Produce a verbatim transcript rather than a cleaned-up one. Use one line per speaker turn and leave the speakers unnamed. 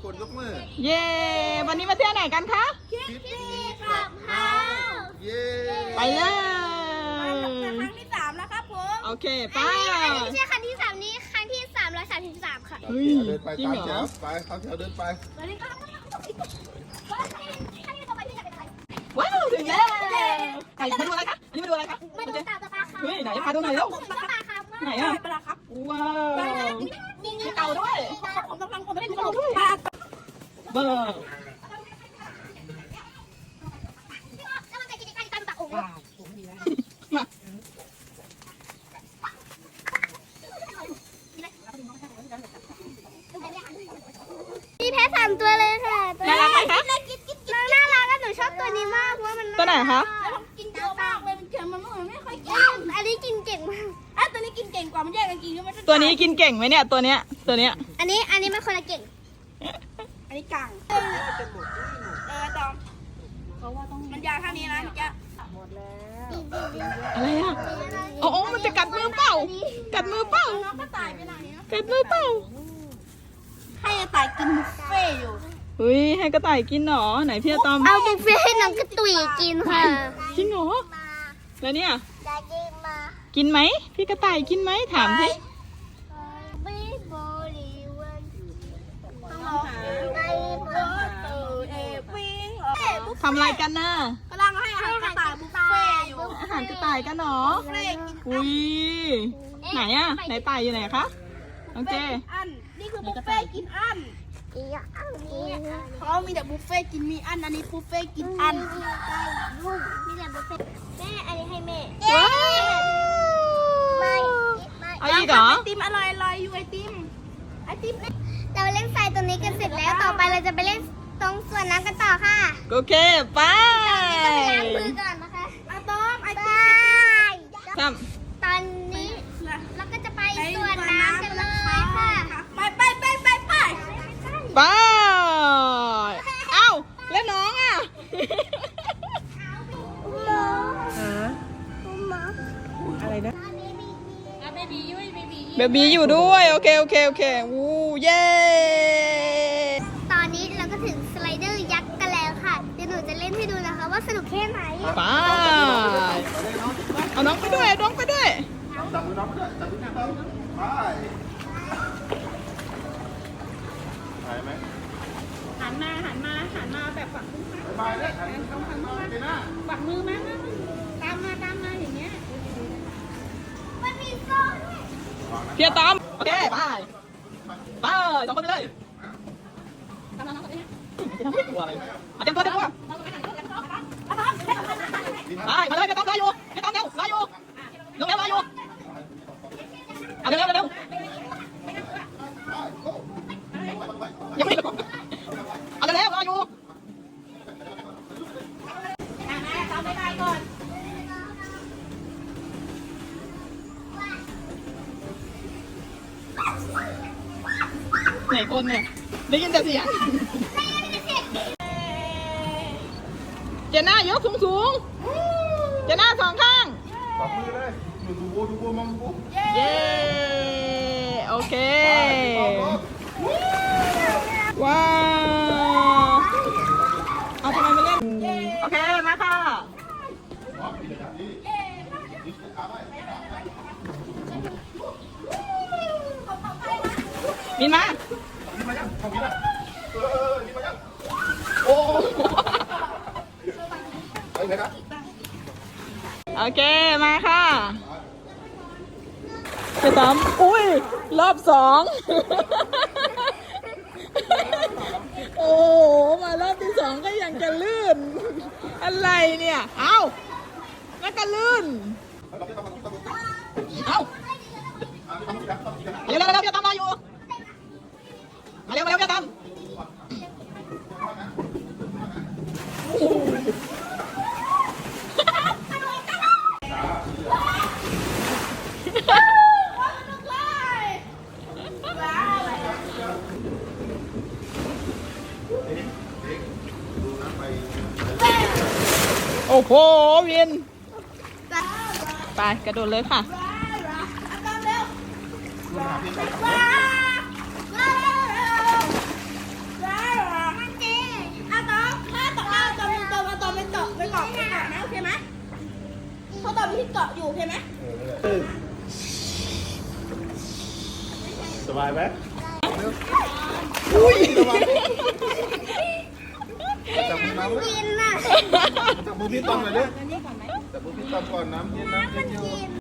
คนยกมือ
เย้วันนี้มาเที่ยวไหนกันคะ
คิดดีกับเฮาเย้
ไปเลย
ครั้งที่สามแล้วครับผม
โอเคไป
ไม่ใช่ครั้งที่สามนี้ครั้งที่สามร้อยสามสิบสามค่ะ
เฮ้ย
เดินไป
จริง
ตาม
เหร
แถ
อ
วไปตามแถวเดินไป
ว้าวถึงแล้วไก่มาดูอะไรคะนี่มาดูอะไรคะ
มาดูเต่าตะปาค่ะ
เฮ้ยไหนพาดูหน่อยเร็ว
ตะปาค่ะ
ไหนอ่ะ
ไปแล้วครับ
ว้าวมีเต่าด้วย
ผมกำลังผมไม่ได้ดู
เต่าด้วยเบอร์
แล้วมันจะกินไก่ตามตะโอ้
มา
มีแพ้สามตัวเลยค่ะ
น่ารักไหมคะ
น้องน่ารักและหนูชอบตัวนี้มากเพราะว่ามัน
ตัวไหนคะ
กินเยอะมากเลยมันเค็มมันไม่ค่อยกิน
อันนี้กินเก่งมาก
อ่ะตัวนี้กินเก่งกว่ามันแยกกันกินก็ไม่
ตัวนี้กินเก่งไหมเนี่ยตัวเนี้ยตัวเนี้ย
อันนี้อันนี้มันคนละเก่ง
อันนี้กังเออตอมเพราะว่าต้องมันยาวเท่านี้นะจะ
อะไรอ่ะโอ้โอ้มันจะกัดมือเปล่ากัดมือเปล่า
น้องก็ตายไปไหนนะ
กัดมือเปล่า
ให้ตายกินบุฟเฟ่อยู่
เฮ้ยให้กระต่ายกินหรอไหนพี่อะตอม
เอาบุฟเฟ่ให้น้องกระตุยกินค่ะ
จริงเหรอแล้วเนี่ย
จะกินมา
กินไหมพี่กระต่ายกินไหมถามสิ
บีบอลีวัน
ต้องหาเออเออเอวิ่งเออ
ทำอะไรกันน่ะ
กำลังให้อาหารกระต่ายบุฟเฟ่อยู่
อาหารกระต่ายกันเหรอ
บุฟเฟ่กิน
อุ้ยไหนอะไหนต่ายอยู่ไหนคะโอเค
อันนี่คือบุฟเฟ่กินอัน
อีกอันนี้
เขามีแต่บุฟเฟ่กินมีอันอันนี้บุฟเฟ่กินอัน
นี่แหละบุฟเฟ่แม่อันนี้ให้แม่
ว้าว
ไม่ไม่
เอาอีกเหรอ
ไอติมอร่อยอร่อยอยู่ไอติมไอติม
เราเล่นทรายตรงนี้กันเสร็จแล้วต่อไปเราจะไปเล่นตรงสวนน้ำกันต่อค่ะ
โอเคไป
ล้างมือก่อนนะคะ
อะตอมไอติ
บาม ย
ท
ตอนนี้เราก็จะไปสวนน้ำกันเลยค่ะ
ไปไปไปไปไป
ำไปเอ้าแล้วน้องอะอะไรนะเบบีอยู่ด้วยโอเคโอเคโอเควู้เย้
ตอนนี้เราก็ถึงสไลเดอร์ยักษ์กันแล้วค่ะเดี๋ยวหนูจะเล่นให้ดูนะคะว่าสนุกแค่ไหน
ไปเอาน้องไปด้วยเอาน้องไปด้วย
จับมือน้องไปด้วยจับมือน้องไปไปไหม
หันมาหันมาหันมาแบบฝักมือ
ไปเลยหันหันมาไปหน้า
ฝักมือมาตามมาตามมาอย่างเงี้ย
มันมีโซ่ด้วย
เพียร์ตามโอเคไปไปสองคนไปเลย
ตามมาน้องคนนี้
จะทำให้กลัวอะไรอาจารย์ตัวเต็มตัวไปมาเลยเพียร์ตามรออยู่เพียร์ตามเร็วรออยู่ลงเร็วรออยู่เอาเร็วเร็วเร็วยังไม่เอาเร็วรออยู่
ตามไปได้ก่อน
ไหนคนเนี่ยได้ยินแต่เสียงเจน่ายกสูงสูงเจน่าสองข้าง
จับมือเลยอยู่ดูบูดูบูมองบู
เย้โอเคว้าวเอาทำไมมาเล่นโอเคมาค่ะมินมา
นี่มายังทำนี่ละเออนี่มายัง
โอ้
ไปไหนครับ
โอเคมาค่ะไปตามอุ้ยรอบสองโอ้มารอบที่สองก็ยังจะลื่นอะไรเนี่ยเอ้าแล้วก็ลื่นเอ้าเร็วเร็วเร็วเดี๋ยวตามรออยู่มาเร็วมาเร็วเดี๋ยวตามโอ้โหวินไปกระโดดเลยค่ะ
ที่เกาะอยู่เห็นไหม
สบายไหม
อุ้ย
จับมือน้ำเลย
กินน่ะ
จับมือพี่ตอมหน่อยดิจับมือพี่ตอมก่อนน้ำเย็นน้ำเย็นอยู่